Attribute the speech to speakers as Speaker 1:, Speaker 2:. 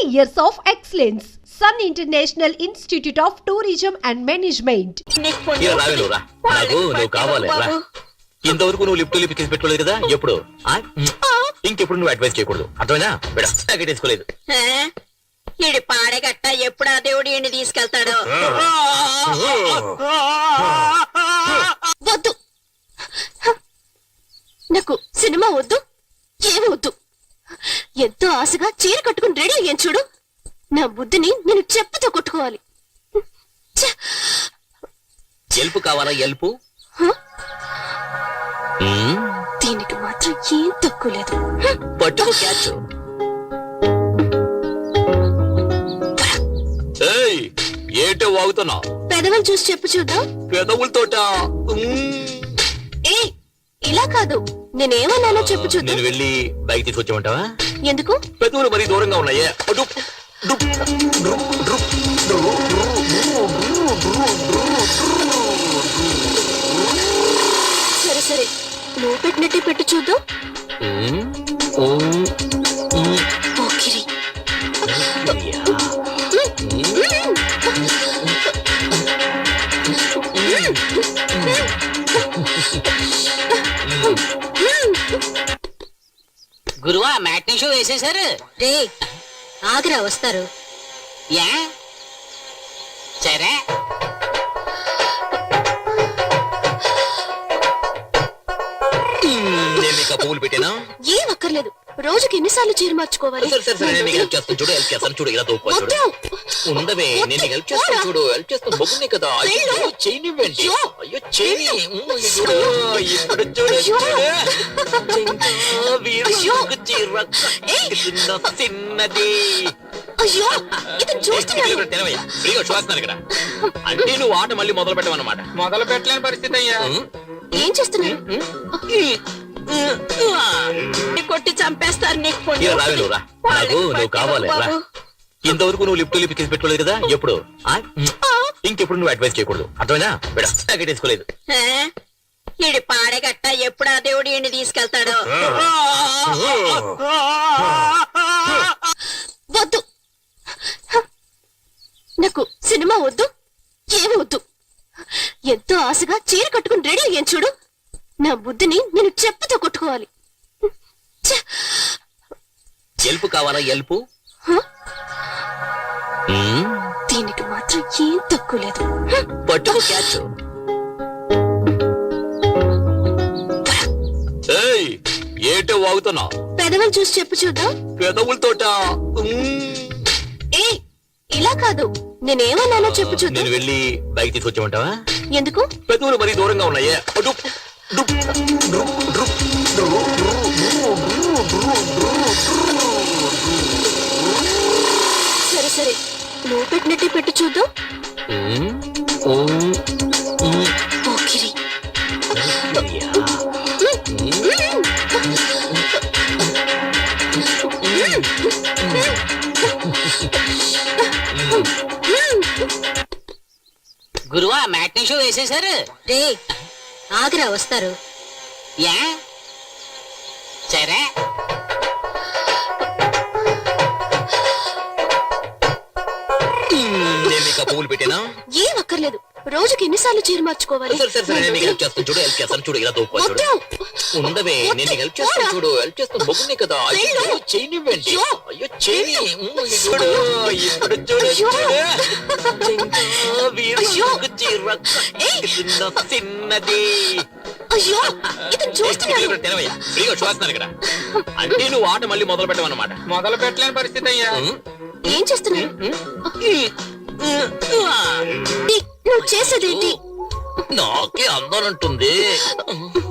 Speaker 1: years of excellence. Sun International Institute of Tourism and Management.
Speaker 2: ఇంతవరకు నువ్వు lift lift తీసి పెట్టుకోలేదు కదా ఎప్పుడు ఇంకెప్పుడు నువ్వు అడ్వైస్ చేయకూడదు అర్థమైనా వేసుకోలేదు
Speaker 3: ఈడి పాడగట్ట ఎప్పుడు ఆ దేవుడు ఈయన్ని తీసుకెళ్తాడు.
Speaker 4: వద్దు, నాకు సినిమా వద్దు, ఏమి వద్దు. ఎంతో ఆశగా చీర కట్టుకుని రెడీ అయ్యాను చూడు. నా బుద్ధిని నేను చెప్పుతో కొట్టుకోవాలి.
Speaker 2: ఎల్పు కావాలా? ఎల్పు
Speaker 4: దీనికి మాత్రం ఏం తక్కువ లేదు.
Speaker 2: పట్టుకో క్యాచ్. ఏంటో వాగుతున్నా?
Speaker 4: పెదవులు చూసి చెప్పు చూద్దాం.
Speaker 2: పెదవులతోట
Speaker 4: ఇలా కాదు, నేనేమన్నానో చెప్పు చూద్దాం.
Speaker 2: నేను వెళ్ళి బైక్ తీసుకొచ్చామంటావా?
Speaker 4: ఎందుకు?
Speaker 2: పెదవులు మరీ దూరంగా ఉన్నాయే.
Speaker 4: సరే సరే, నువ్వు పెట్టినట్టే పెట్టు చూద్దాం. ఓకిరి
Speaker 3: గురువా మ్యాట్నీ షో వేసేశారు.
Speaker 4: రే ఆగ్రా వస్తారు.
Speaker 3: ఏ సరే
Speaker 2: పువ్వులు పెట్టినా
Speaker 4: ఏం అక్కర్లేదు. రోజుకి ఎన్నిసార్లు చీర మార్చుకోవాలి?
Speaker 2: చూడు ఇలా ఉండవే, నేను హెల్ప్ చేస్తాను చూడు. హెల్ప్ చేస్తాను బొగ్గునే కదా. చేయనివ్వండి. అయ్యో చేయని చిన్నది. చూస్తున్నాను ఇక్కడ. అంటే నువ్వు ఆట మళ్ళీ మొదలు పెట్టమన్నమాట.
Speaker 5: మొదలు పెట్టలేని పరిస్థితి అయ్యా.
Speaker 4: ఏం చేస్తున్నా?
Speaker 3: కొట్టి చంపేస్తారు నీకు.
Speaker 2: నువ్వు కావాలి. ఇంతవరకు నువ్వు లిఫ్ట్ లిఫ్ట్ తీసి పెట్టుకోలేదు కదా ఎప్పుడు ఇంకెప్పుడు నువ్వు అడ్వైస్ చేయకూడదు అర్థమైనా వేసుకోలేదు.
Speaker 3: ఈడి పాడగట్ట ఎప్పుడు ఆ దేవుడు ఈయన్ని తీసుకెళ్తాడు.
Speaker 4: వద్దు, నాకు సినిమా వద్దు, ఏమి వద్దు. ఎంతో ఆశగా చీర కట్టుకుని రెడీ అయ్యాను చూడు. నా బుద్ధిని నేను చెప్పుతో కొట్టుకోవాలి.
Speaker 2: ఎల్పు కావాలా? ఎల్పు
Speaker 4: దీనికి మాత్రం ఏం తక్కువ లేదు.
Speaker 2: పట్టుకో క్యాచ్. ఏంటో వాగుతున్నా?
Speaker 4: పెదవులు చూసి చెప్పు చూద్దాం.
Speaker 2: పెదవులతోట
Speaker 4: ఇలా కాదు, నేనేమన్నానో చెప్పు చూద్దాం.
Speaker 2: నేను వెళ్ళి బైక్ తీసుకొచ్చామంటావా?
Speaker 4: ఎందుకు?
Speaker 2: పెదవులు మరీ దూరంగా ఉన్నాయే.
Speaker 4: సరే సరే, నువ్వు పెట్టినట్టే పెట్టు చూద్దాం. ఓకిరి
Speaker 3: గురువా మ్యాట్నీ షో వేసేశారు.
Speaker 4: రే ఆగ్రా వస్తారు.
Speaker 3: ఏ సరే
Speaker 2: పువ్వులు పెట్టినా
Speaker 4: ఏం అక్కర్లేదు. రోజుకి ఎన్నిసార్లు చీర మార్చుకోవాలి?
Speaker 2: చూడు ఇలా ఉండవే, నేను హెల్ప్ చేస్తాను చూడు. హెల్ప్ చేస్తాను బొగ్గునే కదా. చేయనివ్వండి. అయ్యో చేయని చిన్నది. చూస్తున్నాను ఇక్కడ. అంటే నువ్వు ఆట మళ్ళీ మొదలు పెట్టమన్నమాట.
Speaker 5: మొదలు పెట్టలేని పరిస్థితి అయ్యా.
Speaker 4: ఏం చేస్తున్నా? నువ్వు చేసేదేంటి?
Speaker 2: నాకే అందనంటుంది.